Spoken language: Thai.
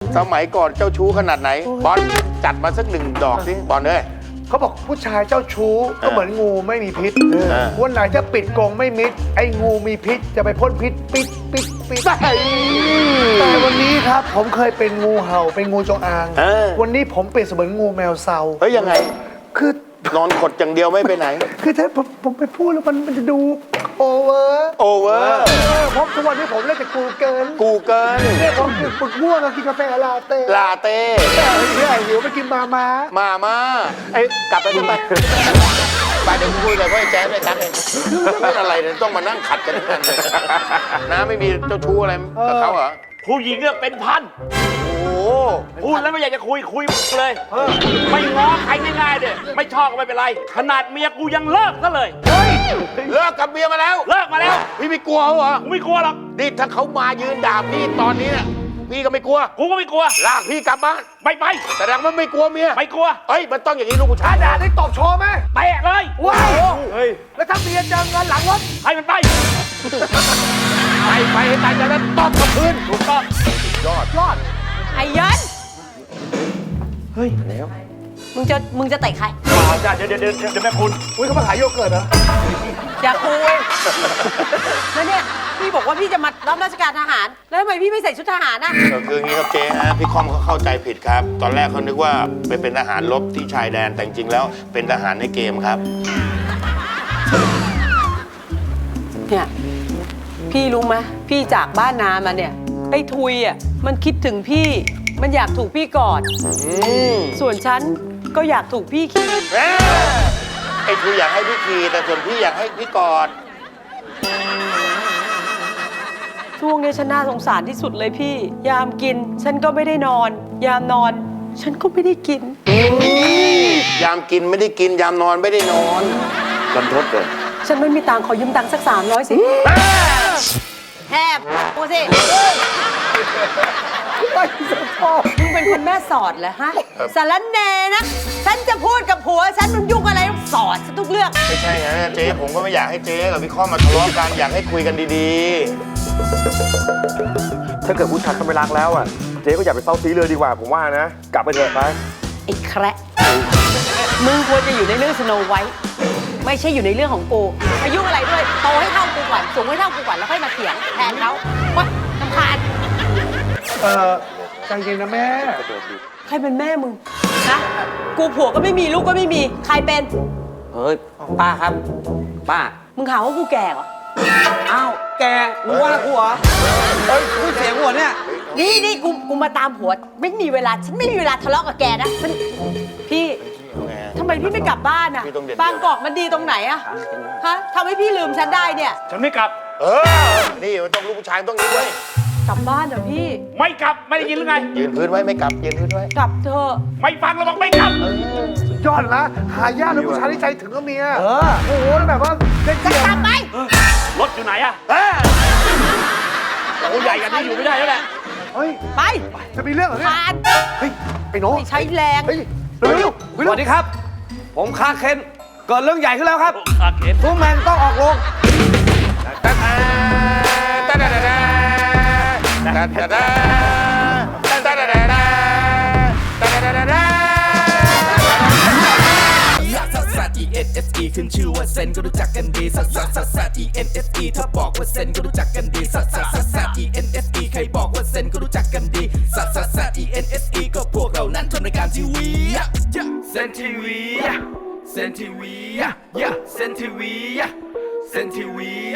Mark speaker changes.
Speaker 1: สมัยก่อนเจ้าชู้ขนาดไหนบอลจัดมาสัก1 ดอกสิบอลเลย
Speaker 2: เขาบอกผู้ชายเจ้าชู้ก็เหมือนงูไม่มีพิษวันไหนจะปิดกรงไม่มิดไอ้งูมีพิษจะไปพ่นพิษปิดแต่วันนี้ครับผมเคยเป็นงูเห่าเป็นงูจงอางวันนี้ผมเปลี่ยนเสมือนงูแมวเซา
Speaker 1: เฮ้ยยังไง
Speaker 2: คือน
Speaker 1: อนขดอย่างเดียวไม่ไปไหน
Speaker 2: คือถ้าผมไปพูดแล้วมันจะดูโอเวอร์เพราะทุกวันนี้ผมเล่นแต่กูเกินเนี่ยผมปึกม่วงกินกาแฟลาเต้เนี่ยหิวไปกินมา
Speaker 1: ไอ้กลับไปที่ไปเดี๋ยวคุยกับพ่อแจ๊ดเลยครับเองไม่อะไรเนี่ยต้องมานั่งขัดกันทั้งนั้นน้าไม่มีเจ้าชู้อะไรกับเขาเหรอ
Speaker 3: ผู้หญิงเนี่ยเป็นพัน
Speaker 1: โอ้
Speaker 3: พูดแล้วไม่อยากจะคุยเลยไม่ง้อใครง่ายๆเด้ไม่ชอบก็ไม่เป็นไรขนาดเมียกูยังเลิกซะเลย
Speaker 1: เลิกกับเมียมาแล้วพี่ไม่กลัวเหรอ
Speaker 3: ไม่กลัวหรอก
Speaker 1: นี่ถ้าเขามายืนด่าพี่ตอนนี้เนี่ยพี่ก็ไม่กลัว
Speaker 3: กูก็ไม่กลัว
Speaker 1: ลากพี่กลับบ้าน
Speaker 3: ไป
Speaker 1: แต่ดังมันไม่กลัวเมีย
Speaker 3: ไม่กลัว
Speaker 1: เฮ้ยมันต้องอย่างนี้ลูกผู้ชาย
Speaker 2: ด่าได้ตบโชว์ไหม
Speaker 3: เตะเลย
Speaker 2: ว้าวแล้วถ้าเมียเจอเงินหลังรถ
Speaker 3: ให้มันไป
Speaker 1: ให้ตายแล้วตบกับพื้น
Speaker 3: ถูกต้อง
Speaker 1: ยอด
Speaker 4: ไอ้ยัน
Speaker 1: เฮ้ยแล้ว
Speaker 4: มึงจะเตะใคร
Speaker 3: เดี๋ยวแม่คุณ
Speaker 2: เขามาขายโยเกิร์ตเหรอ
Speaker 4: อย่าคุยแล้วเนี่ยพี่บอกว่าพี่จะมารับราชการทหารแล้วทำไมพี่ไม่ใส่ชุดทหารน่ะ
Speaker 1: คืออย่างนี้ครับเจ๊ฮะพี่คอมเขาเข้าใจผิดครับตอนแรกเขานึกว่าไปเป็นทหารรบที่ชายแดนแต่จริงๆแล้วเป็นทหารในเกมครับ
Speaker 4: เนี่ยพี่รู้ไหมพี่จากบ้านนามาเนี่ยไอ้ทุยอ่ะมันคิดถึงพี่มันอยากถูกพี่กอดส่วนฉันก็อยากถูกพี่ขี่
Speaker 1: ไอ้ทุยอยากให้พี่ขี่แต่ส่วนพี่อยากให้พี่กอด
Speaker 4: ช่วงนี้ฉันน่าสงสารที่สุดเลยพี่ยามกินฉันก็ไม่ได้นอนยามนอนฉันก็ไม่ได้กิน
Speaker 1: ยามกินไม่ได้กินยามนอนไม่ได้นอนกันทดเลย
Speaker 4: ฉันไม่มีตังค์ขอยืมตังค์สัก300สิแทบกูสิมึงเป็นคนแม่สอดเหรอฮะสารแหน่นะฉันจะพูดกับผัวฉันมันยุ่งอะไรต้องสอดฉันทุกเรื่อง
Speaker 1: ไม่ใช่ฮะเจ๊ผมก็ไม่อยากให้เจ๊กับพี่ข้อมาทะเลาะกันอยากให้คุยกันดี
Speaker 5: ๆถ้าเกิดผู้ชายเขาไม่รักแล้วอ่ะเจ๊ก็อย่าไปเศร้าซีเลยดีกว่าผมว่านะกลับไปเถอะไป
Speaker 4: ไอ้แคระมึงควรจะอยู่ในเรื่องสโนไวท์ไม่ใช่อยู่ในเรื่องของกูอายุอะไรด้วยโตให้เท่ากูก่อนสูงให้เท่ากูก่อนแล้วค่อยมาเถียงแทนเขาว่ารำคาญ
Speaker 2: ใจเย็นนะแม่
Speaker 4: ใครเป็นแม่มึงฮะกูผัวก็ไม่มีลูกก็ไม่มีใครเป็น
Speaker 6: เฮ้ยป้าครับป้า
Speaker 4: มึงหาว่ากูแก่เหรอ
Speaker 6: อ้าวแกมึงว่ากูเหรอเฮ้ยพูดเสียงหัวเนี่ย
Speaker 4: นี่กูมาตามผัวไม่มีเวลาฉันไม่มีเวลาทะเลาะกับแกนะฉันพี่ทำไมพี่ไม่กลับบ้านอ่ะบางกอกมันดีตรงไหนอ่ะฮะทำให้พี่ลืมฉันได้เนี่ย
Speaker 3: ฉันไม่กลับ
Speaker 1: นี่มันต้องลูกผู้ชายต้องนี้ด้วย
Speaker 4: กลับบ้านเหรอพี่
Speaker 3: ไม่กลับไม่ได้ยินหรือไง
Speaker 1: ยืนพื้นไว้ไม่กลับยืนพื้นไว้
Speaker 4: กลับเถอะ
Speaker 3: ไม่ฟังเราบอกไม่กลับ
Speaker 2: ยอดนะหายากเลยผู้ชายที่ใจถึงก็เมียโอ้โหแบบว่า
Speaker 4: จะกลับไหม
Speaker 3: รถอยู่ไหนอะโอ้ใหญ่กันนี่อยู่ไม่ได้แล้วแหละ
Speaker 2: เฮ้ย
Speaker 4: ไป
Speaker 2: จะมีเรื่องเหรอเนี่ยเฮ้ยไอ้น้อง
Speaker 4: ใช้แรง
Speaker 2: เร็ว
Speaker 6: สวัสดีครับผมคาเคนเกิดเรื่องใหญ่ขึ้นแล้วครับ
Speaker 3: คาเคน
Speaker 6: ทุกแมนต้องออกโรง
Speaker 7: E ขึ้นชื่อว่าเซนก็รู้จักกันดีซัส ENSE ถ้าบอกว่าเซนก็รู้จักกันดีซัส ENSE ใครบอกว่าเซนก็รู้จักกันดีซัส ENSE ก็พวกเรานั้นทำรายการทีวีเซนทีวีเซนทีวีเซนทีวีเซนทีวี